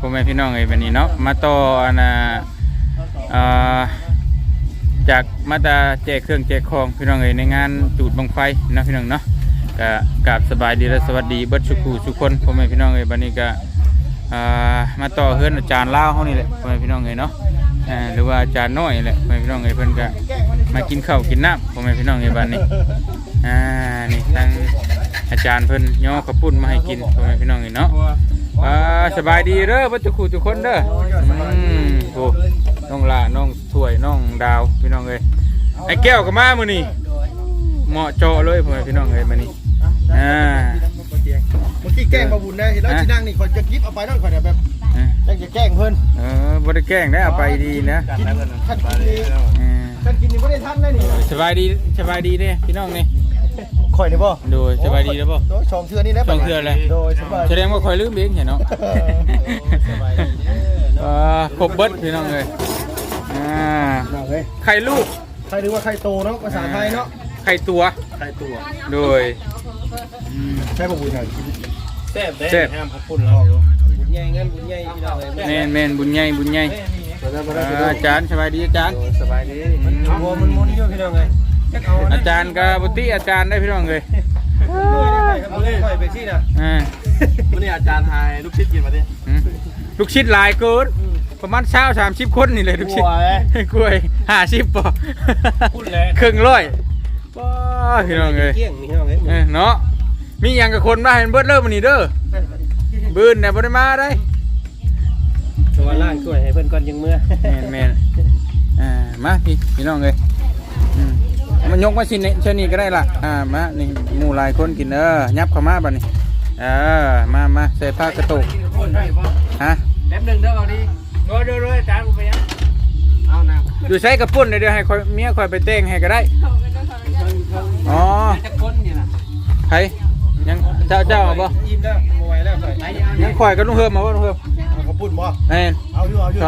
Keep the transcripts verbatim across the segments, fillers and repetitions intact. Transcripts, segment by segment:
พ่อแม่พี่น้องเอ้ยบัดนี้เนาะมาต่ออันน่ะอ่าจากมาตาแจกเครื่องแจกของพี่น้องเอ้ยในงานจูดบังไฟนะพี่น้องเนาะก็กราบสบายดีและสวัสดีเบิดทุกผู้ทุกคนพ่อแม่พี่น้องเอ้ยบัดนี้ก็อ่ามาต่อเฮือนอาจารย์ลาวเฮานี่แหละพ่อแม่พี่น้องเอ้ยเนาะอ่าหรือว่าอาจารย์น้อยแหละพ่อแม่พี่น้องเอ้ยเพิ่นก็มากินข้าวกินน้ำพ่อแม่พี่น้องเอ้ยบัดนี้อ่านี่ทางอาจารย์เพิ่นย่อข้าวปุ้นมาให้กินพ่อแม่พี่น้องเอ้ยเนาะอ่าสบายดีเด้อเบิดทุกผู้ทุกคนเด้ออืมโอ้น้องลาน้องถ้วยน้องดาวพี่น้องเอ้ยไอ้แก้วก็มามื้อนี้เหมาะเจาะเลยพ่อแม่พี่น้องเอ้ยมื้อนี้อ่าเมื่อกี้แกล้งมาบุญได้เห็นแล้วที่นั่งนี่คนจะกิฟเอาไปนั่นคนแบบยังจะแกล้งเพิ่นเออบ่ได้แกล้งได้เอาไปดีนะท่านกินนี่ท่านกินนี่ไม่ได้ทันเลยนี่สบายดีสบายดีเด้พี่น้องนี่ข่อยนี่บ่โดยสบายดีแล้วบ่โดยสองเทื่อนี่แล้วสองเทื่อเลยโดยสบายแสดงว่าข่อยลืมเองเห็นเนาะสบายดีเออครบเบิดพี่น้องเอ้ยอ่าไข่ลูกไข่หรือว่าไข่โตเนาะภาษาไทยเนาะไข่ตัวไข่ตัวโดยใช่บ่บุญหน่อยแซ่บได้ห้ามพักพุ่นเราบุญใหญ่งั้นบุญใหญ่พี่น้องเอ้ยแม่นแม่นบุญใหญ่บุญใหญ่อาจารย์สบายดีอาจารย์สบายดีมันมัวมันมุนอยู่พี่น้องเอ้ยอาจารย์กับบุตรีอาจารย์ได้พี่น้องเอ้ยค่อยไปสิน่ะอ่ามื้อนี้อาจารย์ทายลูกชิดกินมาดิลูกชิดหลายเกินประมาณเช้าสามสิบคนนี่เลยลูกชิดกล้วยห้าสิบป่ะครึ่งร้อยป้าพี่น้องเอ้ยเนาะมีอย่างกับคนมาเห็นเบิร์ดเริ่มมันนี่เด้อบืนเนี่ยบ่ได้มาได้ตัวล่างช่วยให้เพื่อนก่อนยังเมื่อแม่นแม่นอ่ามาพี่พี่น้องเลยมันยกมาชิ้นนี้ชิ้นนี้ก็ได้ละอ่ามานี่หมู่หลายคนกินเออยับเข้ามาบัดนี้เออมามาใส่ผ้ากระตุกฮะแป๊บนึงเด้อเอาดิโดยโดยโดยอาจารย์ผมไปยังเอาน้ำอยู่ใช้กระปุ่นเดี๋ยวให้เมียคอยไปเต้งให้ก็ได้อ๋อจะคนนี่นะใครยังเจ้าเจ้าบ่ยิ้มแล้วมาไว้แล้วยังข่อยก็ลุงเฮิมมาว่าลุงเฮิมเอากระปุ่นบ่เอ็นเอาอยู่เอาอยู่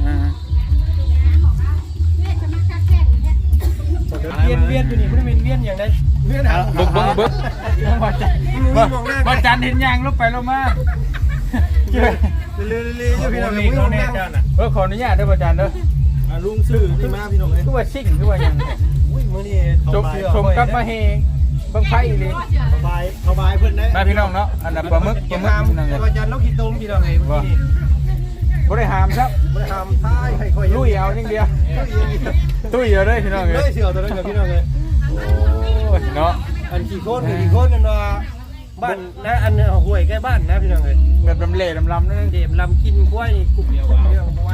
เวียนเวียนอยู่นี่มันเป็นเวียนอย่างไรเวียนหาบึกบึกบึกบ่จันเห็นยางลบไปลงมาเรื่อยเรื่อยเรื่อยพี่น้องเลยลุงนั่งเออขออนุญาตเด้อบ่จันเด้อลุงซื้อที่มาพี่น้องเลยคือว่าซิ่งคือว่ายังอุ้ยมื้อนี้ชมชมกับมาเฮบังไฟเลยสบายสบายเพิ่นได้มาพี่น้องเนาะอันนั้นปลาหมึกปลาหมึกพี่น้องเลยอาจารย์นกขี้ตุ้มพี่น้องเลยเมื่อกี้บ่ได้หามครับบ่ได้หามท้ายให้ค่อยลุยเอาอย่างเดียวตุ้ยเอาเลยพี่น้องเลยเลยเสี่ยวตัวนั้นกับพี่น้องเลยโอ้ยเนาะอันกี่คนกี่คนกันว่าบ้านนะอันห่วยใกล้บ้านนะพี่น้องเลยแบบลำเล่ลำลำนั่นเด็บลำกินกล้วยกลุ่มเดียวเดียวเอาไว้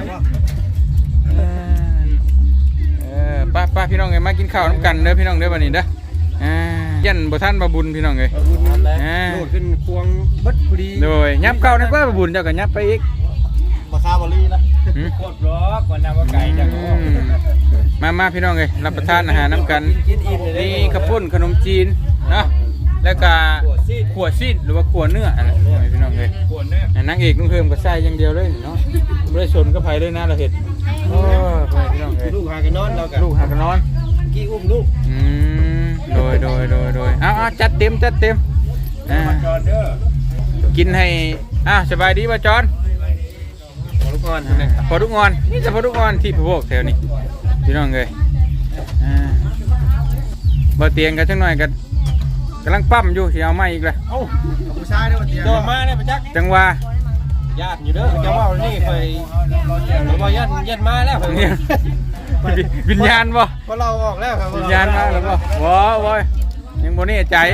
เออป้าป้าพี่น้องเลยมากินข้าวน้ำกันเด้อพี่น้องเด้อวันนี้เด้ออ่ายันบ่ท่านบ่บุญพี่น้องเลยอ่าโดดขึ้นควงบัดพอดีโดยยับเข้าในก็บ่บุญเจ้าก็ยับไปอีกมาซาบอลี่นะโคตรร้อนก่อนนำว่าไก่จังมามาพี่น้องเลยรับประทานอาหารน้ำกันนี่ข้าวปุ้นขนมจีนนะแล้วก็ขวดซีดหรือว่าขวดเนื้ออะไรพี่น้องเลยขวดเนื้อนางเอกนุ่งเพิ่มก็ใส่อย่างเดียวเลยเนาะไม่ได้ชนก็ไผ่ด้วยนะเราเห็นโอ้พี่น้องเลยลูกหากันนอนเรากันลูกหากันนอนกี้อุ้มลูกอืมโดยโดยโดยโดยเอาเอาจัดเต็มจัดเต็มอ่ากินให้อ่ะสบายดีป่ะจอนพอลูกงอนพอลูกงอนนี่จะพอลูกงอนที่พวกแถวนี้พี่น้องเลยอ่าบ่เตียงกันจังหน่อยกันกำลังปั้มอยู่ที่เอาไม้อีกเลยเอ้าผู้ชายได้บ่เตียงโดนมาเนี่ยไปจักจังว่าญาติอยู่เด้อจะว่านี่เคยเราบอกญาติญาติมาแล้ววิญญาณบ่พอเราออกแล้วครับวิญญาณมาแล้วบ่บ่บ่ยังบ่นี่ใจ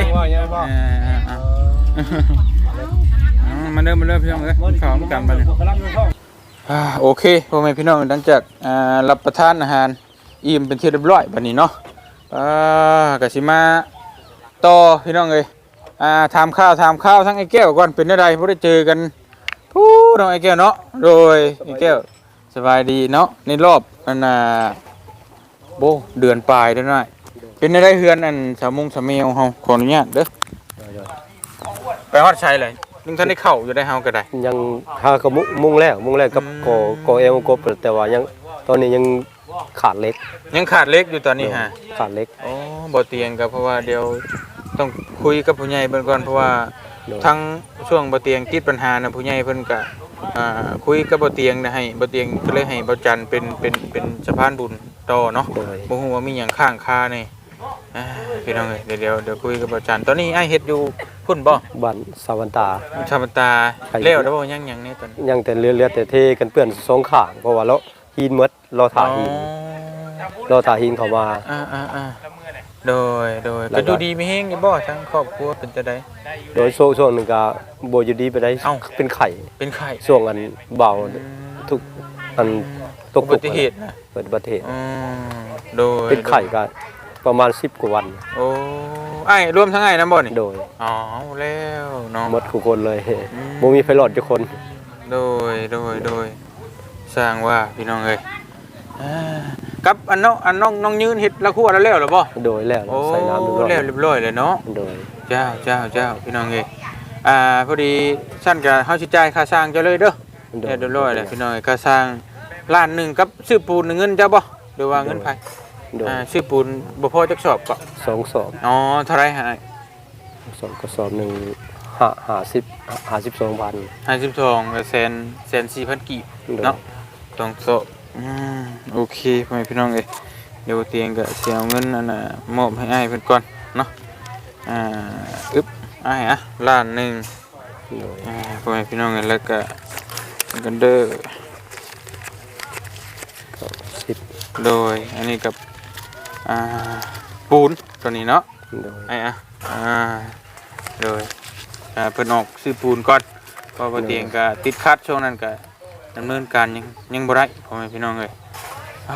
มาเริ่มมาเริ่มพี่น้องเอ้ยข้าวกันมาเลยโอเคพ่อแม่พี่น้องหลังจากรับประทานอาหารอิ่มเป็นที่เรียบร้อยบัดนี้เนาะก็สิมาต่อพี่น้องเอ้ยถามข้าวถามข้าวทั้งไอ้แก้วก่อนเป็นอะไรบ่ได้เจอกันผู้น้องไอ้แก้วเนาะโดยไอ้แก้วสบายดีเนาะในรอบอันน่ะโบเดือนปลายเด้อหน่อยเป็นอะไรเฮือนอันสามมุงสามเมลเฮาขออนุญาตเด้อไปฮอดชัยเลยนึงท่านได้เข้าอยู่ได้เฮาก็ได้ยังหาก็มุ่งแล้วมุ่งแล้วกับกอกอเอลกบแต่ว่ายังตอนนี้ยังขาดเล็กยังขาดเล็กอยู่ตอนนี้ฮะขาดเล็กอ๋อบ่เตียงก็เพราะว่าเดี๋ยวต้องคุยกับผู้ใหญ่เบิ่งก่อนเพราะว่าทั้งช่วงบ่เตียงติดปัญหานะผู้ใหญ่เพิ่นก็อ่าคุยกับบ่เตียงนะให้บ่เตียงก็เลยให้บ่จันเป็นเป็นเป็นสะพานบุญต่อเนาะโดยบ่ฮู้ว่ามีหยังข้างคานี่อ่าพี่น้องเอ้ยเดี๋ยวเดี๋ยวเดี๋ยวคุยกับบ่จันตอนนี้อ้ายเฮ็ดอยู่พุ่นบ่บ้านสาวันตาชาบตาแล้วแล้วบ่ยังยังนี่ตอนนี้ยังแต่เรือเรือแต่เทกันเปื้อนสองข้างเพราะว่าเราหินหมดเราถ่าหินเราถ่าหินเข้ามาอ่าๆๆโดยโดยแล้วก็ก็ดูดีมีแฮงอยู่บ่ทั้งครอบครัวเป็นจังได๋โดยช่วงช่วงหนึงก็บ่อยู่ดีไปได้เอ้าเป็นไข้เป็นไข้ช่วงอันเบาทุกอันตกอุบัติเหตุนะเปิดอุบัติเหตุอืมโดยเป็นไข้ก็ประมาณสิบกว่าวันโอ้อ้ายรวมทั้งอ้ายนำบ่นี่โดยอ๋อแล้วเนาะหมดทุกคนเลยอืมบ่มีไฟรอดทุกคนโดยโดยโดยสร้างว่าพี่น้องเอ้ยอ่ากับอันน้องอันน้องน้องยืนเฮ็ดละครัวแล้วแล้วเหรอบ่โดยแล้วโอ้ใส่น้ำเรียบร้อยแล้วเรียบร้อยเลยเนาะโดยเจ้าเจ้าเจ้าพี่น้องเอ้ยอ่าพอดีชั้นก็เฮาสิจ่ายค่าสร้างเจ้าเลยเด้อเรียบร้อยแล้วพี่น้องเอ้ยค่าสร้างล้านหนึงกับซื้อปูนเงินเจ้าบ่หรือว่าเงินไผโดยอ่าซื้อปูนบ่พอจักสอบก็สองสอบอ๋อเท่าไหร่ฮะสองกระสอบหนึ่งห้าห้าสิบห้าสิบสองพันห้าสิบสองก็แสนแสนสี่พันกีบเนาะสองสอบอืมโอเคพ่อแม่พี่น้องเอ้ยเดี๋ยวเตียงก็สิเอาเงินอันน่ะมอบให้อ้ายเพิ่นก่อนเนาะอ่าอึ๊บอ้ายอ่ะล้านหนึงโดยอ่าพ่อแม่พี่น้องกันแล้วก็กันเด้อสิบโดยอันนี้กับอ่าปูนตัวนี้เนาะโดยไอ้อะอ่าโดยอ่าเพิ่นออกซื้อปูนก่อนเพราะว่าเตียงก็ติดคัดช่วงนั้นก็ดำเนินการยังยังบ่ได้พ่อแม่พี่น้องเอ้ยอ่า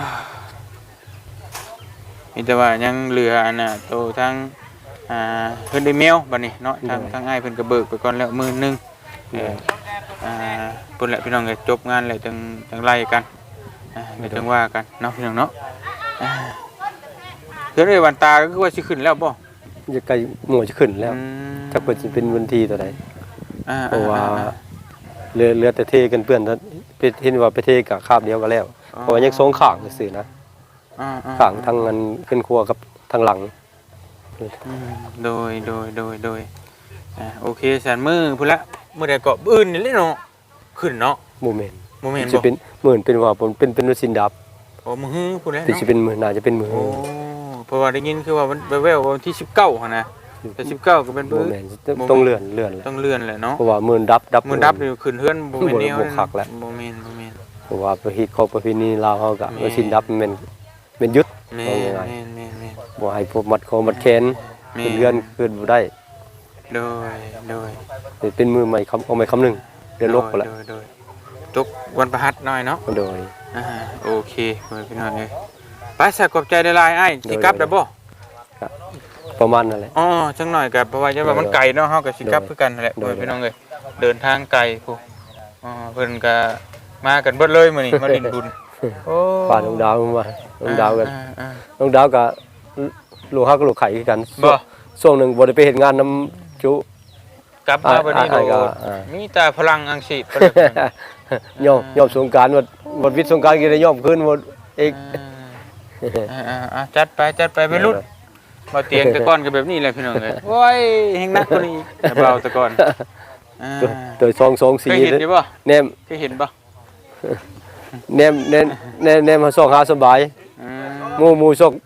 มีแต่ว่ายังเหลืออันน่ะโตทั้งอ่าเพิ่นได้แมวบัดนี้เนาะทางทางอ้ายเพิ่นก็เบิกไปก่อนแล้วหมื่นหนึงเออ อ่าปุ่นแหละพี่น้องเลยจบงานเลยจังจังไล่กันอ่าเดี๋ยวจังว่ากันเนาะพี่น้องเนาะอ่าเพื่อนเอ้ยวันตาก็คือว่าสิขึ้นแล้วบ่จะใกล้หมู่จะขึ้นแล้วอืมถ้าเปิดจะเป็นวันที่ตัวใดอ่าเพราะว่าเรือเรือแต่เทกันเปื้อนถ้าไปเห็นว่าไปเทกับคาบเดียวก็แล้ว เพราะว่ายังสองข้างซื่อๆนะอ่าอ่ข้างทางนั้นขึ้นครัวกับทางหลังอืมโดยโดยโดยโดยอ่าโอเคแสนมือพุ่นละมือใดเกาะอื่นนี่เลยเนาะขึ้นเนาะโมเมนต์โมเมนต์จะบ่เป็นเหมือนเป็นว่าผมเป็นเป็นวัสินดับโอ้มือฮื้อพุ่นแล้วแต่จะเนาะเป็นมือน่าจะเป็นมือโอ้เพราะว่าได้ยินคือว่ามันแว่วๆว่าวันที่สิบเก้าหั่นนะแต่สิบเก้าก็เป็นโมมื้อเมนต์ต้องเลื่อนเลื่อนเลยต้องเลื่อนแหละเนาะเพราะว่ามือดับดับมือดับนี่ขึ้นเฮือนบ่แม่นแนวบ่คักแล้วบ่แม่นบ่แม่นเพราะว่าประเพณีของประเพณีลาวเฮาก็แม่วัสินดับมันเป็นเป็นยุทธแม่ว่านง่ายแม่นแม่นแม่นๆบ่ให้พวกมัดคอมัดแขนแม่เป็นเรือนขึ้นบ่ได้โดยโดยเป็นมือใหม่คำเอาใหม่คำหนึงเดือนลบไปแล้วโดยโดยตกวันประหัสหน่อยเนาะโดยอ่าโอเคเพิ่นพี่น้องเอ้ยไปสักขอบใจหลายๆอ้ายสิกลับได้บ่ประมาณนั่นแหละอ๋อจังหน่อยก็เพราะว่าจะว่ามันไกลเนาะเฮาก็สิกลับคือกันนั่นแหละโดยเพิ่นพี่น้องเอ้ยเดินทางไกลพุอ๋อเพิ่นก็มากันเบิดเลยมื้อนี้มาดินบุญโอ้ป่าน้องดาวมาน้องดาวกันอ่อ่าน้องดาวกับลูกฮักกับลูกไข่คือกันบ่ช่วงหนึงบ่ได้ไปเฮ็ดงานนํจุกลับมาบัดนี้อ่าโดอ่าอ่ามีแต่พลังอังสิประเดี๋ยวนั้นยอมยอมสงกรานต์ว่าบ่วิทย์สงกรานต์ก็ได้ยอมคืนหมดเอกอ่าอ่าอ่าจัดไปจัดไปไปรุ่นบ่เตียงแต่ก่อนก็แบบนี้แหละพี่น้องเอ้ยโอ้ยแฮงหนักกว่านี้แต่เบาแต่ก่อนอ่าตัวตัวสองสองเคสี่ยเห็นอยู่บ่แนมเคยเห็นบ่แนมแนมแนมแนมมาส่องหาสบายอืมหมู่หมู่ส่อง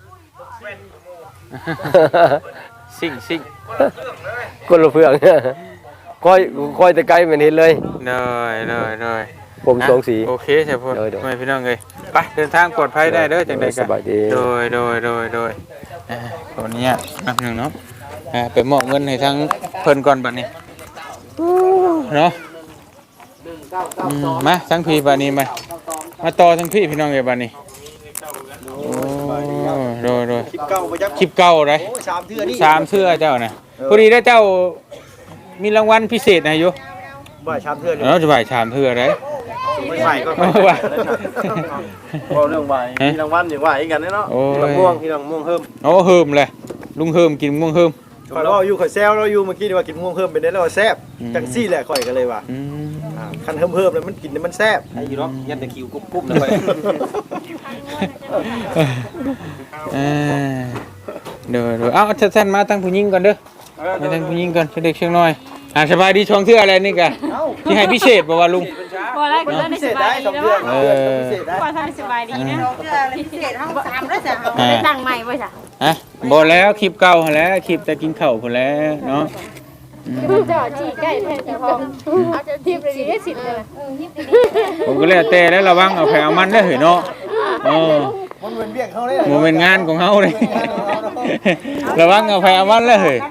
สิ่งสิ่งคนละเพื่องค่อยค่อยแต่ไกลแม่นเห็นเลยเลยเลยเลยผมสองสีโอเคใช่พ่อโดยโดยไม่พี่น้องเลยไปเดินทางปลอดภัยได้เด้อจังใดสบายดีโดยโดยโดยโดยอ่าขออนุญาตนับหนึ่งเนาะอ่าไปมอบเงินให้ทั้งเพิ่นก่อนบัดนี้เนาะอืมมาทั้งพี่บัดนี้มามาต่อทั้งพี่พี่น้องเลยบัดนี้โอ้โดยโดยคลิปเก่าบ่จักคลิปเก่าเลยโอ้ยสามเทื่อนี่สามเสื้อเจ้านะพอดีได้เจ้ามีรางวัลพิเศษนะอยู่บ่สามเทื่อนี่เราจะบ่ายชามเทื่อไรไม่ใหม่ก็เอาไว้บ่เรื่องใหม่มีรางวัลอย่างว่าอีกกันเนาะโอ้ยมะม่วงพี่น้องม่วงเพิ่มโอ้เฮิมเลยลุงเฮิมกินม่วงเฮิมข่อยว่าอยู่ข่อยแซวเราอยู่เมื่อกี้นี่ว่ากินม่วงเพิ่มเป็นได้แล้วว่าแซ่บอืมจังซี่แหละข่อยก็เลยว่าอืมอ่าคันเพิ่มเพิ่มแล้วมันกินแล้วมันแซ่บไอ้ยูร็อกยันตะคิวกุ๊บกุ๊บเลยเออเดี๋ยวเดี๋ยวเอาท่านมาตั้งผู้หญิงก่อนเด้อมาตั้งผู้หญิงก่อนเด็กเชียงน้อยอ่าสบายดีช่องเทื่ออะไรนี่กะที่ให้พิเศษบ่ว่าลุงบพอแล้วก็เลิกได้สบายดีแล้วว่าเออพอทำสบายดีนะพิเศษห้องสามแล้วจ้ะได้ตั้งใหม่ป่ะจ้ะฮะบ่แล้วคลิปเก่าหั่นแหล้วคลิปแต่กินข้าวพุ่นแหล้วเนาะจอดจีใกล้แท้ที่พองเอาจะทิพย์เลยดีได้สิทธิ์เลยผมก็แล้วแต่แล้วระวังเอาไปเอามันเด้อเฮ้ยเนาะเออมันเป็นเบี้ยงเขาเลยบ่เป็นงานของเฮาเลยระวังเอาไปเอามันเด้อเฮ้ย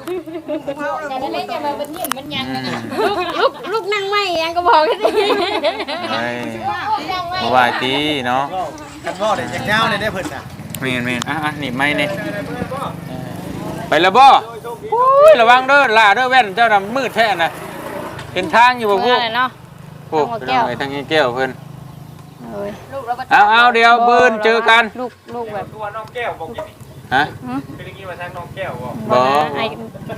ลูกลูกนั่งใหม่ยังก็บอกกันดิไอ้บ่ว่าติเนาะกันงอเด็กยาวๆเนี่ยได้เพิ่นน่ะแม่นแม่นอ่ะๆนี่ไม้นี่ไปแล้วบ่โอ้ยระวังเด้อล่าเด้อแว่นเจ้าน่ะมืดแท้น่ะเห็นทางอยู่บ่พวกเนาะพวกไปทางนี้แก้วเพิ่นลูกเราเอาเอาเดี๋ยวเบิ่นเจอกันลูกลูกแบบตัวน้องแก้วบอกอย่างนี้ฮะเป็นอย่างนี้มาทางน้องแก้วบอกบ่ไอ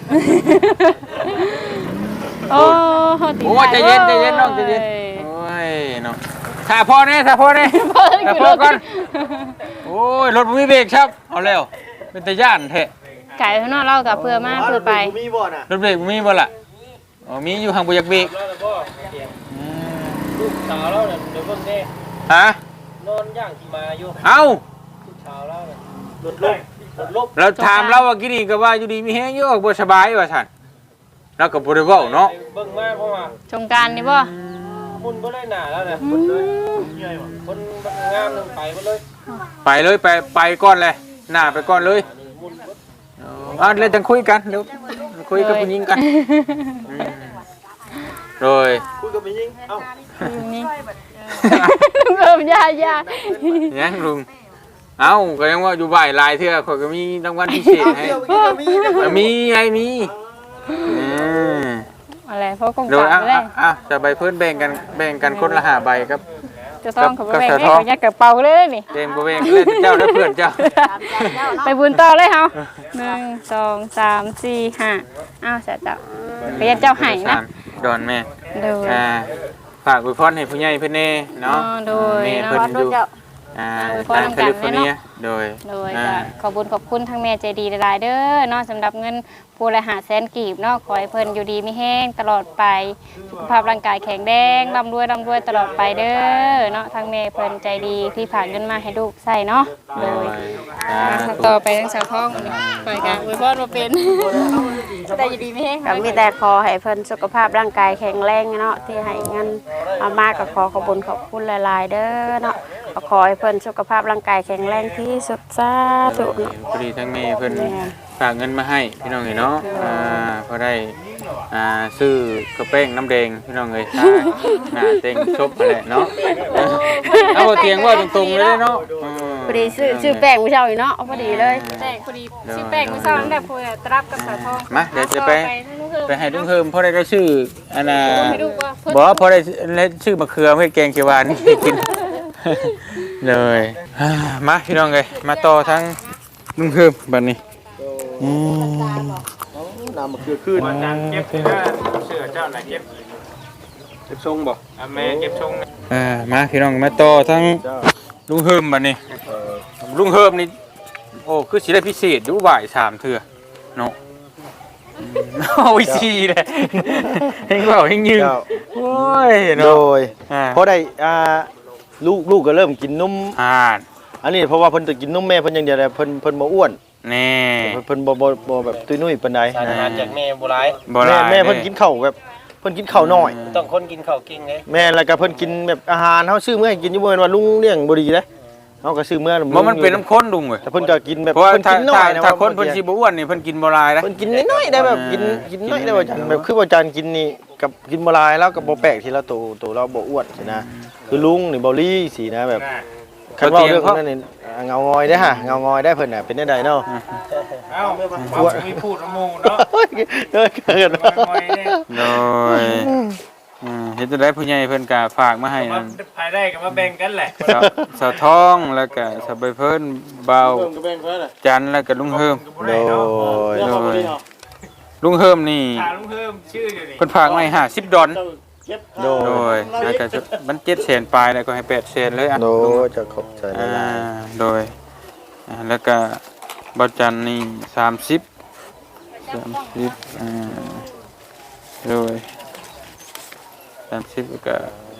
โอ้โอ้ยใจเย็นใจเย็นน้องใจเย็นโอ้ยเนาะถ้าพอแน่ถ้าพอแน่ถ้าพอก่อนโอ้ยรถบ่มีเบรกครับเอาแล้วเป็นตาย่านแท้ไก่ข้างนอกเรากับเพื่อมาเพื่อไปมีบ่น่ะรถเบรกบ่มีบ่ล่ะอ๋อมีอยู่ห่างบ่อยากเบรกลูกสาวเราเนี่ยเดี๋ยวเพิ่งได้ฮะนอนย่างที่มาอยู่เอ้าลูกสาวเราเนี่ยรถลบรถลบเราถามเราว่ากินนี่ก็ว่าอยู่ดีมีแฮงอยู่บ่สบายว่าซั่นเราก็บ่ได้เว้าเนาะเบิ่งมาเพราะว่าสงการนี่บ่มุนบ่ได้หนาแล้วเนี่ยคนเลยคนงามนึงไปหมดเลยไปเลยไปไปก่อนเลยหน้าไปก่อนเลยเอาเลยจังคุยกันเดี๋ยวคุยกับผู้หญิงกันโดยคุยกับผู้หญิงเอ้าอยู่นี่เริ่มยายายังลุงเอ้าก็ยังว่าอยู่บ่ายลายเทื่อข่อยก็มีรางวัลพิเศษให้เดี๋ยวกินกับมีเด้อมีไงมีอืมอะไรเพราะกงโดยกาอ่ะรเลยอ่ะจะใบเพิ่นแบ่งกันแบ่งกันคนละห้าใบครับจะต้องขับไปกับแบ่งสะท้อนให้ยักกระเป๋าเลยนี่แบ่งบ่แบ่งเล่นเจ้าและเพื่อนเจ้าไปบุญต่อเลยเฮาหนึ่งสองสามสี่ห้าอ้าวเสร็จแล้วไปยันเจ้าไห้นะดอนแม่โดยอ่าฝากอวยพรให้ผู้ใหญ่เพิ่นแน่เนาะอ๋อโดยแม่เนาะเพิ่นอยู่อ่าอวยพรทางนำแคกันลิฟอร์เนียเนาะโดยโดยอ่าก็ขอบุญขอบคุณทั้งแม่ใจดีหลายๆเด้อเนาะสำหรับเงินผู้ละหาแสนกีบเนาะขอให้เพิ่นอยู่ดีมีแห้งตลอดไปสุขภาพร่างกายแข็งแรงร่ำรวยร่ำรวยตลอดไปเด้อเนาะทั้งแม่เพิ่นใจดีที่ผ่านเงินมาให้ลูกใส่เนาะโดยอ่าต่อไปทั้งสาวท้องไปกันอวยพรมาเป็นแต่อยู่ดีมีแห้งก็มีแต่ขอให้เพิ่นสุขภาพร่างกายแข็งแรงเนาะที่ให้เงินเอามาก็ขอขอบคุญขอบคุณหลายๆเด้อเนาะก็ขอให้เพิ่นสุขภาพร่างกายแข็งแรงที่สุดสาธุเนาะพอดีทั้งแม่เพิ่นฝากเงินมาให้พี่น้องเอ้ยเนาะอ่าพอได้อ่าซื้อกระเป้งน้ำแดงพี่น้องเอ้ยค่ะหน้าเต็งชบนั่นแหละเนาะเอาเตียงว่าตรงๆเลยเนาะอืมพอดีซื้อซื้อแป้งมื้อเช้านี่เนาะพอดีเลยแป้งพอดีชื่อแป้งไม่ทราบตั้งแต่พูดตรับกับสาวท้องมาเดี๋ยวจะไปไปให้ลุงเฮิมพอได้ได้ชื่ออันน่ะไม่รู้ว่าเพิ่นบอกว่าพอได้ได้ชื่อมะเขือเฮ็ดแกงเขียวหวานนี่กินเลยอ่ามาพี่น้องเอ้ยมาต่อทั้งลุงเฮิมบัดนี้อืมน้ำมะเขือขึ้นวันจันทร์เก็บเสื้อเสื้อเจ้าไหนเก็บเก็บทรงบ่อ่ะแม่เก็บทรงนะอ่ามาพี่น้องมาต่อทั้งลุงเฮิมบัดนี้ลุงเฮิมนี่โอ้คือสิได้พิเศษอยู่บ่ายสามเทื่อเนาะอืมโอ้ยสิเลยเฮงเว้าเฮงยืนโอ้ยโดเนาะยอ่าพอได้อ่าลูกลูกก็เริ่มกินนมอ่าอันนี้เพราะว่าเพิ่นจะกินนมแม่เพิ่นอย่างเดียวแหละเพิ่นเพิ่นบ่อ้วนแน่เพิ่นเพิ่นบ่บ่บ่แบบตุ้ยนุ้ยปานใดสารอาหารจากแม่โบราณบ่แม่ได้แม่เพิ่นกินข้าวแบบเพิ่นกินข้าวน้อยต้องคนกินข้าวเก่งเลยแม่แล้วก็เพิ่นกินแบบอาหารเฮาซื้อมื้อให้กินอยู่บ่แม่นว่าลุงเลี้ยงบ่ดีเด้เฮาก็ซื้อมื้อบ่มันเป็นน้ำข้นลุงเว้ยแต่เพิ่นก็กินแบบเพราะว่าเพิ่นถ้ากินน้อถ้ายนะถ้าคนว่าเพิ่นสิบ่อ้วนนี่เพิ่นกินบ่หลายนะเพิ่นกินน้อยๆได้แบบกินกินน้อยได้ว่าจันแบบคือว่าจันกินนี่กับกินบ่หลายแล้วก็บ่แปลกที่เราโตโตเราบ่อ้วนสินะคือลุงนี่บ่ลี่สินะแบบคันว่าเรื่องนั้นนี่เงางอยได้อฮะเงางอยได้เพิ่นน่ะเป็นจังไดเนาะเอ้าความมีพูดโมเนาะเออเกิดมอยเนี่ยโดยอืมเฮ็ดจังได๋ผู้ใหญ่เพิ่นก็ฝากมาให้มานั่นภายได้ก็มาแบ่งกันแหละสาวสาวทองแล้วก็สาวใบเพิ่นเบาจันแล้วก็ลุงเฮิมโดยโดยลุงเฮิมนี่ถามลุงเพิ่มชื่ออยู่นี่เพิ่นฝากมาให้ห้าสิบดอลโดโดยยแล้วก็จะมันเจ็ดแสนปลายแล้วก็ให้แปดแสนเลยอ่ะโดยจะขอบใจหอ่าลายโดยอ่าแล้วก็เบาจันนี่สามสิบสามสิบอ่าโดยสามสิบก็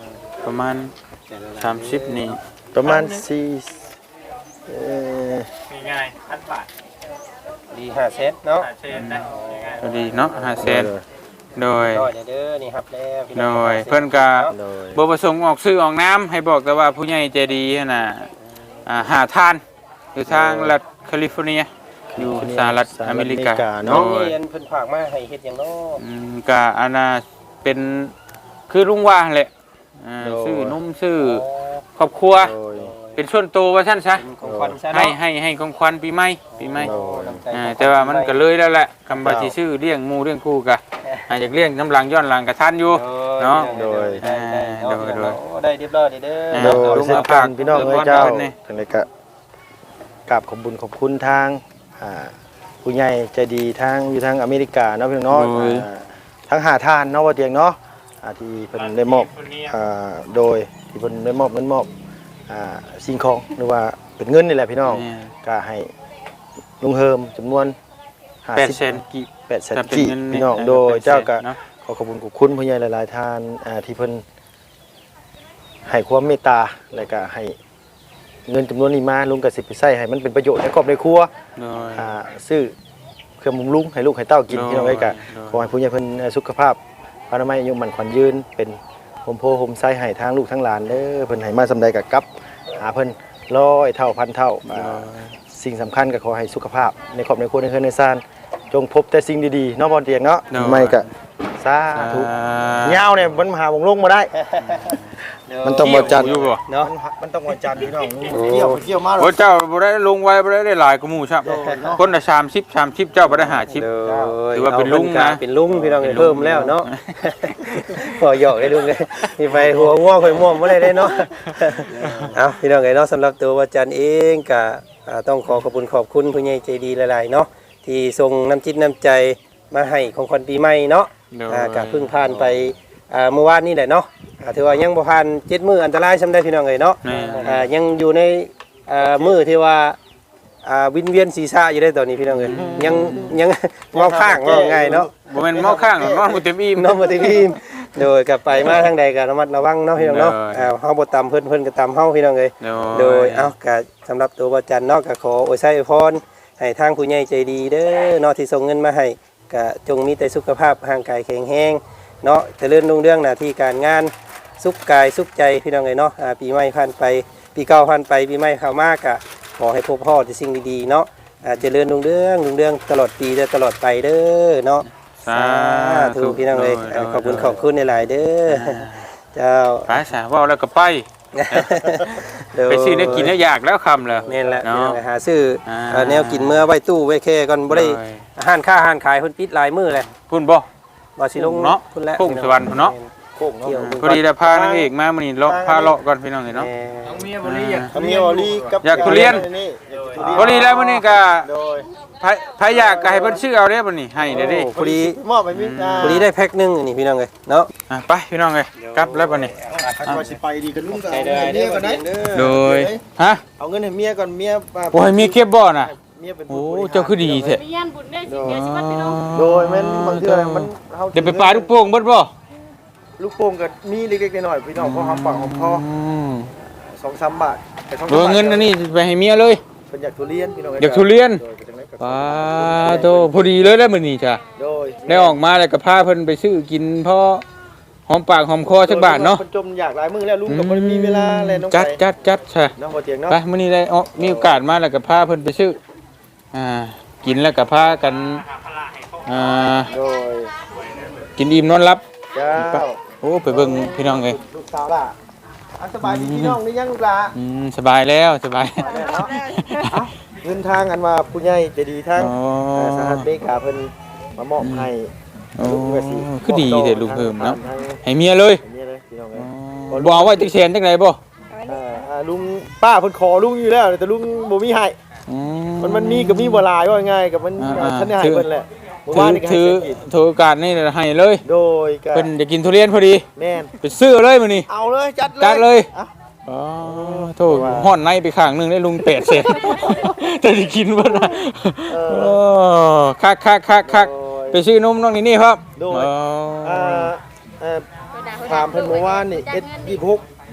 ประมาณสามสิบนี่ประมาณสี่เอ่อง่ายๆพันบาทดีห้าเซตเนาะหาเชนนะง่ายก็ดีเนาะห้าแสนโดยน้อยเด้อนี่ครับแล้วพี่โดน้องยเพิ่นก็โดยบ่ประสงค์ออกซื้อออกน้ำให้บอกแต่ว่าผู้ใหญ่ใจดีหั่นน่ะอ่าหาทานอยู่ทางรัฐแคลิฟอร์เนียอยู่สหรัฐอเมริกาน้องโดยเรียนเพิ่นฝากมาให้เฮ็ดหยังเนาะอืมก็อันน่ะเป็นคือลุงว่าแหละอ่าซื้อนุ่มซื้อครอบครัวโดยเป็นส่วนตัวว่าซั่นซะของขวัญซะให้เนาะให้ให้ของขวัญปีใหม่ปีใหม่โดยอ่าแต่ว่ามันก็เลยแล้วแหละคำว่าสิซื้อเลี้ยงหมู่เลี้ยงคู่ก็อาจจะเลี้ยงน้ำหลังย้อนหลังกับท่านอยู่ เนาะโดยอ่าโดยโดยโอ้ได้เรียบร้อยเด้ออ่าโดยลุงเช่นอากัภาน คพี่น้องเออเอ้ยเจ้าเพิ่นนี่จังได๋ก็กราบขอบคุญขอบคุณทางอ่าผู้ใหญ่ใจดีทางอยู่ทางอเมริกาเนาะพี่น้องเนาะโดยอ่าทั้งหาทานเนาะว่าเตียงเนาะอ่าที่เพิ่นได้มอบอ่าโดยที่เพิ่นได้มอบเงินมอบอ่าสิ่งของหรือว่าเป็นเงินนี่แหละพี่น้องนี่ก็ให้ลุงเฮิมจำนวนแปดแสนกี่แปดแสนถ้าเป็นกี่เงินพี่น้องเนี่ยโดยเจ้าก็เนาะขอขอบคุณขอบคุณผู้ใหญ่หลายๆท่านอ่าที่เพิ่นให้ความเมตตาและก็ให้เงินจำนวนนี้มาลุงก็สิไปใช้ให้มันเป็นประโยชน์ในครอบในครัวโดยอ่าซื้อเครื่องบำรุงให้ลูกให้เต้ากินโดยพี่น้องเอ้ยก็โดยขอให้ผู้ใหญ่เพิ่นสุขภาพอนามัยอายุมันขวัญยืนเป็นโฮมโพโฮมไซให้ทางลูกทั้งหลานเด้อเพิ่นให้มาสำใดก็กลับหาเพิ่นร้อยเท่าพันเท่าอ่าสิ่งสำคัญก็ขอให้สุขภาพในครอบในครัวในเฮือนในซ่านจงพบแต่สิ่งดีๆเนาะบ่เตียงเนาะโดยไม่ก็สาธุยาวเนี่ยมันหาวงลงบ่ได้ มันต้องบ่จันทร์อยู่บ่เนาะมันต้องวันจันทร์พี่น้องเกี่ยวเกี่ยวมาโอ้เจ้าบ่ได้ลงไว้บ่ได้ได้หลายกว่าหมู่ครับคนละสามสิบ สามสิบเจ้าบ่ได้ห้าสิบ ถือว่าเป็นลุงนะเป็นลุงพี่น้องเป็นลุงเพิ่มแล้วเนาะ พอหยอกได้ลุงเลยมีไฟหัวง่วงไฟม่วงบ่ได้ได้เนาะ เอาพี่น้องเอ้ยเนาะสำหรับตัววาจันเองก็อ่าต้องขอขอบคุณขอบคุณผู้ใหญ่ใจดีหลายๆเนาะที่ส่งน้ำจิตน้ำใจมาให้ของขวัญปีใหม่เนาะโดยอ่าก็เพิ่งผ่านไปอ่าเมื่อวานนี้แหละเนาะอ่าถือว่ายังบ่ผ่านเจ็ดมื้ออันตรายซำได้พี่น้องเอ้ยเนาะแม่อ่ายังอยู่ในอ่ามื้อที่ว่าอ่าวินเวียนศีรษะอยู่ได้ตอนนี้พี่น้องเอ้ยยังยังเมาข้างว่าง่ายเนาะบ่แม่นเมาข้างหรอกนอนบ่เต็มอิ่มน้องมาที่พี่โดยกลับไปมาทางใดก็ระมัดระวังเนาะพี่น้องเนาะโดยอ่าเฮาบ่ตำเพิ่นเพิ่นก็ตำเฮาพี่น้องเอ้ยโดยโดยเอ้าก็สำหรับตัวบ่จันเนาะก็ขออวยไสอวยพรให้ทางผู้ใหญ่ใจดีเด้อเนาะที่ส่งเงินมาให้ก็จงมีแต่สุขภาพร่างกายแข็งแรงเนาะเจริญรุ่งเรืองหน้าที่การงานสุขกายสุขใจพี่น้องเอ้ยเนาะอ่าปีใหม่ผ่านไปปีเก่าผ่านไปปีใหม่เข้ามาก็ขอให้พบพ่อแต่สิ่งดีๆเนาะอ่าเจริญรุ่งเรืองรุ่งเรืองตลอดปีและตลอดไปเด้อเนาะสาถูกพี่น้องเลยโดยขอบคุณขอบคุณในหลายๆเด้อเจ้าไปซะเว้าแล้วก็ไป ไปซื้อเนื้อกินเนื้ออยากแล้วคำเลยนี่นแหละเนาะไปหาซื้ออา เอ่อแนวกินเมื่อไว้ตู้ไว้แค่ก่อนบ่ได้โดยอาหารค่าอาหารขายเพิ่นปิดหลายมื้อเลยพุ่นบ่บ่สิลงเนาะพุ่นแหละพุ่งสวรรค์พุ่นเนาะโค้งเนาะเกี่ยวพอดีแต่พานางเอกมามื้อนี้เลาะพาเลาะก่อนพี่น้องเอ้ยเนาะแหม่ๆน้องเมียบ่ได้อยากทำเนียวลีกับอยากทุเรียนนี่พอดีแล้วมื้อนี้ก็โดยไผไผอยากก็ให้เพิ่นซื้อเอาเด้อมื้อนี้ให้เด้อเด้พอดีมอบไปมิตาพอดีได้แพ็คหนึงอันนี้พี่น้องเอ้ยเนาะอ่ะไปพี่น้องเอ้ยกลับแล้วบัดนี้คันว่าสิไปดีกันลุงก็เอาเงินให้เมียก่อนนะโดยฮะเอาเงินให้เมียก่อนเมียมาโอ้ยมีเก็บบ่น่ะเมียเป็นโอ้ผู้บริหรเจ้าคือดีแท้ไปย่านบุญได้สิเดี๋ยวสิวัดพี่น้องโดยแม่นบางเทื่อมันเฮาเดี๋ยวไปปลาลูกโป่งเบิดบ่ลูกโป่งก็มีเล็กๆน้อยๆพี่น้องพอหอมปากหอมคอมสองสามบาทแต่สองโดยเงินอันนี้ไปให้เมียเลยเป็นอยากทุเรียนพี่น้องอยากทุเรียนโดเป็นจังได๋ก็ป้าโตพอดีเลยแล้วมื้อนี้จ้ะโดยได้ออกมาแล้วก็พาเพิ่นไปซื้อกินพอหอมปากหอมคอสักบาทเนาะพิ่จมอยากหลายมื้อแล้วลุงก็บ่ได้มีเวลาแลน้องจัดจัดจัดใช่น้องบ่เตียงเนาะไปมื้อนี้ได้อ๋อมีโอกาสมาแล้วก็พาเพิ่นไปซื้ออ่ากินแล้วก็พากันอ่าโดยกินอิ่มนอนหลับเจ้าโอ้ไปเบิ่งพี่น้องเอ้ยลูกสาวล่ะอันสบายดีพี่น้องนี่ยังลูกหลาอืมสบายแล้วสบายเงินทางอันว่าผู้ใหญ่ใจะดีทางอ๋อเอ่อสหรัฐอเมริกาเพิ่นมามอบให้โอ้ลุงก็สิคือดีเด้อลุงเพิ่มเนาะทางให้เมียเลยเมียเลยพี่น้องเอ้อ๋อย บ่เอาไว้ติ๊กแสนจังไดบ่เอ่ออ่าลุงป้าเพิ่นขอลุงอยู่แล้วแต่ลุงบ่มีให้อืมันมันมีกับมีบ่หลายว่าง่ายกับมันอ่าท่านได้ให้เพิ่นแหละเมื่อถืวานอนี่ก็ให้ถือเพิ่นอีกถือโอกาสนี่ให้เลยโดยก็เพิ่นจะกินทุเรียนพอดีแม่นไปซื้อเลยมื้อนี้เอาเลยจัดเลยจัดเลยอ่ะอ๋อโทษห่อนในไปข้างหนึงได้ลุงแปดเศษ แต่จะกินบ่นะโอ้คักคักคักคักไปซื้อนมน้องนี่นี่ครับโดยอ๋ออ่าเอ่อถามเพิ่นเมื่อวานนี่ เอส ยี่สิบหก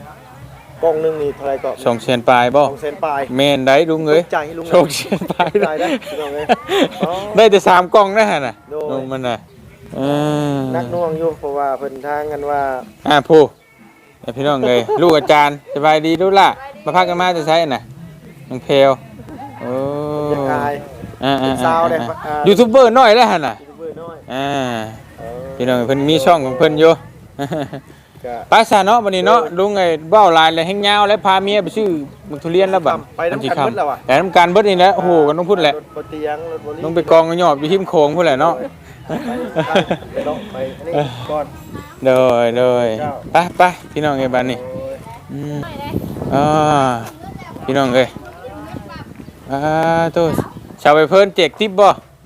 กล่องหนึงนี่เท่าไหร่ก็สองแสนปลายบ่สองแสนปลายแม่นได้ลุงเอ้ยใจให้ลุงสองแสนปลายใจได้พี่น้องเอ้ยอ๋อได้แต่สามกล่องนะฮะน่ะโดยลุงมันน่ะเออนักหน่วงอยู่เพราะว่าเพิ่นทางกันว่าอ่าผู้ไอ้พี่น้องเลย ลูกอาจารย์สบายดีลูกล่ะมาพักกันมาจะใช้น่ะน้องเพลวโอ้อยากอายอ่าเป็นสาวได้อ่ายูทูบเบอร์น้อยแล้วฮะน่ะยูทูบเบอร์น้อยอ่าเออพี่น้องเพิ่นมีช่องของเพิ่นอยู่ก็ไปซะเนาะวันนี้เนาะลุงไอ้เบ้าลายเลยแห้งยาวแล้วพาเมียไปซื้อมักทุเรียนแล้วบัดไปน้ำกันเบิดแล้วว่ะไปน้ำกันเบิดนี่แหละโอ้โหกันต้องพูดแหละรถบ่เตียงรถบ่ลีลงไปกองกันหยอบอยู่ทิมโคงพูดแหละเนาะไปเนาะไปนี่ก่อนโดยโดยไปไปพี่น้องไอ้บ้านนี่โอ้ยอืมอ่าพี่น้องเอ้ยอ่าตัวชาวไปเพิ่นแจกทิปบ่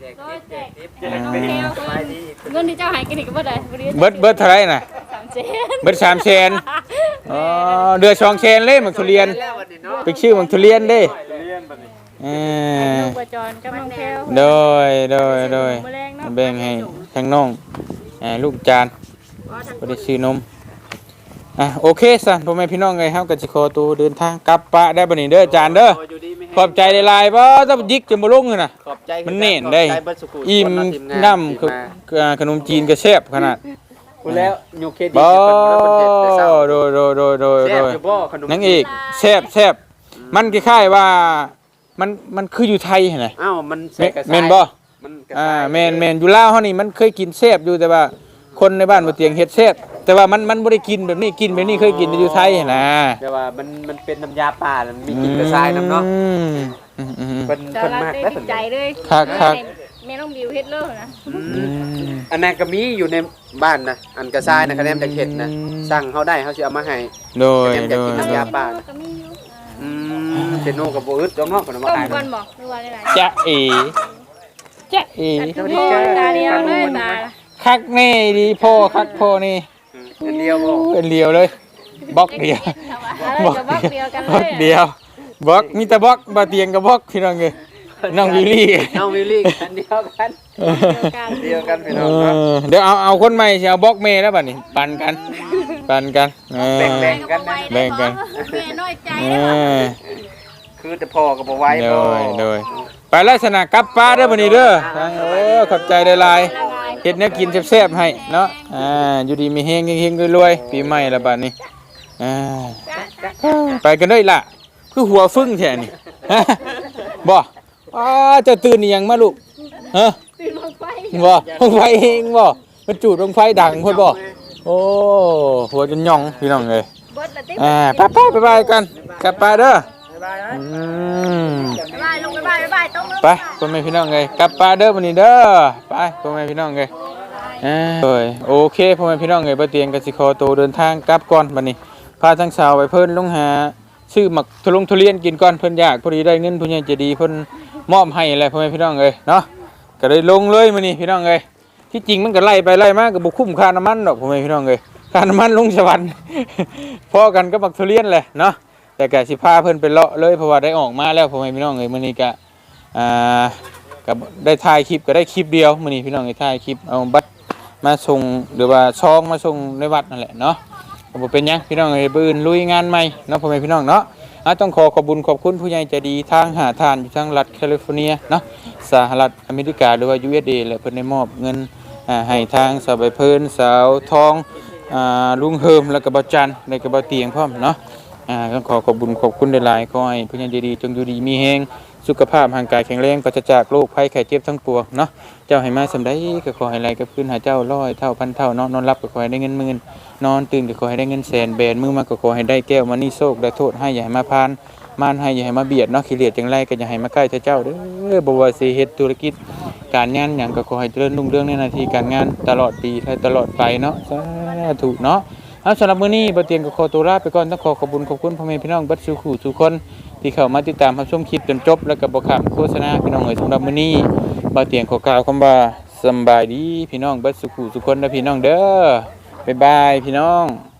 เงินที่เจ้าหายกันอีกบ่ได้เบิดเบิดเท่าไหร่น่ะสามเจนเบิดสามแสนอ๋อเดือดสองแสนเลยมักทุเรียนไปชื่อมักทุเรียนเด้เออลูกประจรกับน้องแพลวโดยโดยโดยมื้อแรงเนาะแบ่งให้ทั้งน้องอ่าลูกจานบ่ได้ซื้อนมอ่ะโอเคซะพ่อแม่พี่น้องเอ้ยเฮาก็สิขอตัวเดินทางกลับปะได้บัดนี้เด้อจานเด้อขอบใจหลายๆบ่ต้องยิกจนบ่ลงเลยน่ะขอบใจมันเน่นได้ขอบใจเบิดสุขุอิ่มคนเาะทีงาน้ำคืออ่าขนมจีนก็แซ่บขนาดพูดแล้วอยู่เครดิตบ่เพิ่นเพิ่นเฮ็ดแต่เช้าโดยโดยโดยโดยแซ่โดบยอยู่บ่ขนมนังเอกแซ่บแซ่บมันคล้ายๆว่ามันมันคืออยู่ไทยหั่นน่ะอ้าวมันแม่กระแม่นบ่มันกระอ่าซ้ายแม่นแม่นอยู่ลาวเฮานี่มันเคยกินแซ่บอยู่แต่ว่าคนในบ้านบ่เตียงเฮ็ดแซ่บแต่ว่ามันมันบ่ได้กินแบบนี้กินแบบนี้เคยกินอยู่ไทยหั่นน่ะแต่ว่ามันมันเป็นน้ำยาป่ามันมีกลิ่นกระซ้ายน้ำเนาะอืมอืมอืมเพิ่นเจ้าเพิ่นรักมากได้แล้วติเพิ่ดนใจเลยครับครับแม่น้องบิวเฮ็ดเลยนะอือืมมอันนั้นก็มีอยู่ในบ้านนะอันกระซ้ายนะคะแนนจากเห็ดนะอืมสั่งเขาได้เขาสิเอามาให้โดยคะแนนโดจากยกินโดน้ำยาย ป่าก็มีอยู่อืมเป็นโนกับโบอึดจ้องนอกคนเอามาต้มขายก่อนบอกหรือว่าอะไรจ๊ะเอ๋จ๊ะเอ๋โอ้ยตาเดียวเลยตาคักแน่ดีพ่อคักพ่อนี่อันเดียวบ่เป็นเดียวเลยบล็อกเดียวอะไรกับบล็อกเดียวกันบเลล็อกยเดียวบล็อกมีแต่บล็อกบาเตียงกับบล็อกพี่น้องเอ้ยน้องวิลลี่น้องวิลลี่อันเดียวกันกันเดียวกันพี่เอน้องครับอเดี๋ยวเอาเอาคนใหม่สิเอาบล็อกเมย์แล้วบัดนี้ปันกันปันกันเออแบ่งๆกันนะแบ่งกันแม่น้อยใจเอเลยอคือแต่พ่อกับบ่ไหว้โดบ่ยโดยไปลักษณะกลับป้าเด้อบัดนี้เด้อทางเออขอบใจหลายๆเฮ็ดแนวกินแซ่บๆให้เนาะอ่าอยู่ดีมีเฮงเฮงๆรวยๆปีใหม่ละบัดนี้อ่าไปกันเด้อล่ะคือหัวฟึ่งแท้นี่ บ่อ้าเจะตื่นอีหยังมาลูกฮะตื่นมาไฟบ่ลงไฟเองบ่มันจูดลงไฟดังพุ่นบ่โอ้หัวจนหย่องพี่น้องเอ้ยเบิดละติ๊บอ่าไปไปไปไปกันกลับไปเด้ออืมบ๊ายบายลงบ๊ายบายบ๊ายบายต้องไปพ่อแม่พี่น้องเอ้ยกลับไปเด้อวันนี้เด้อไปพ่อแม่พี่น้องเอ้ยอ่าโอ้ยโอเคพ่อแม่พี่น้องเอ้ยบ่เตียงก็สิขอตัวเดินทางกลับก่อนบัดนี้พาทั้งสาวไปเพิ่นลงหาซื้อหมักทุลงทุเรียนกินก่อนเพิ่นอยากพอดีได้เงินผู้ใหญ่ใจดีเพิ่นมอบให้อะไรพ่อแม่พี่น้องเอ้ยเนาะก็เลยลงเลยมื้อนี้พี่น้องเอ้ยที่จริงมันก็ไล่ไปไล่มาก็บ่คุ้มค่าน้ำมันดอกพ่อแม่พี่น้องเอ้ยค่าน้ำมันลงสวรรค์ พอกันก็หมักทุเรียนแหละเนาะแต่ก็สิพาเพิ่นไปเลาะเลยเพราะว่าได้ออกมาแล้วพ่อแม่พี่น้องเอ้ยมื้อนี้ก็อ่าก็ได้ถ่ายคลิปก็ได้คลิปเดียวมื้อนี้พี่น้องเอ้ยถ่ายคลิปเอาบัตรมาส่งหรือว่าซองมาส่งในวัดนั่นแหละเนาะก็บ่เป็นหยังพี่น้องเอ้ยบื้นลุยงานใหม่เนาะพ่อแม่พี่น้องเนาะอ่ะต้องขอขอบคุญขอบคุณผู้ใหญ่ใจดีทางหาทานอยู่ทางรัฐแคลิฟอร์เนียเนาะสหรัฐอเมริกาหรือว่า ยู เอส เอ และเพิ่นได้มอบเงินอ่าให้ทางสาวใบเพิ่นสาวทองอ่าลุงเฮิมแล้วก็บ่จันแล้วก็บ่เตียงพร้อมเนาะอ่าต้องขอขอบคุญขอบคุณหลายๆขอให้ผู้ใหญ่ใจดีจงอยู่ดีมีแฮงสุขภาพร่างกายแข็งแรงปราศจากโรคภัยไข้เจ็บทั้งปวงเนาะเจ้าให้มาสำใดก็ขอให้ไหลกับคืนหาเจ้าร้อยเท่าพันเท่าเนาะนอนรับก็ขอให้ได้เงินหมื่นนอนตื่นก็ขอให้ได้เงินแสนแบนมือมาก็ขอให้ได้แก้วมานี่โชคได้โทษให้อย่าให้มาพานมานให้อย่าให้มาเบียดเนาะขี้เลียดจังไรก็อย่าให้มาใกล้เจ้าเด้อบ่ว่าสิเฮ็ดธุรกิจการงานหยังก็ขอให้เจริญรุ่งเรืองในหน้าที่การงานตลอดปีและตลอดไปเนาะสาธุเนาะเอาสำหรับมื้อนี้บ่เตียงก็ขอตัวลาไปก่อนต้องขอขอบคุณขอบคุณพ่อแม่พี่น้องเบัดสู่ขู่สู่คนที่เข้ามาติดตามรับชมคลิปจนจบแล้วก็บ่ข้ามโฆษณาพี่น้องเอ้ยสำหรับมื้อนี้บ่เตียงขอกล่าวคำว่าสำบายดีพี่น้องเบัดสู่ขู่สู่คนเด้อพี่น้องเด้อบ๊ายบายพี่น้อง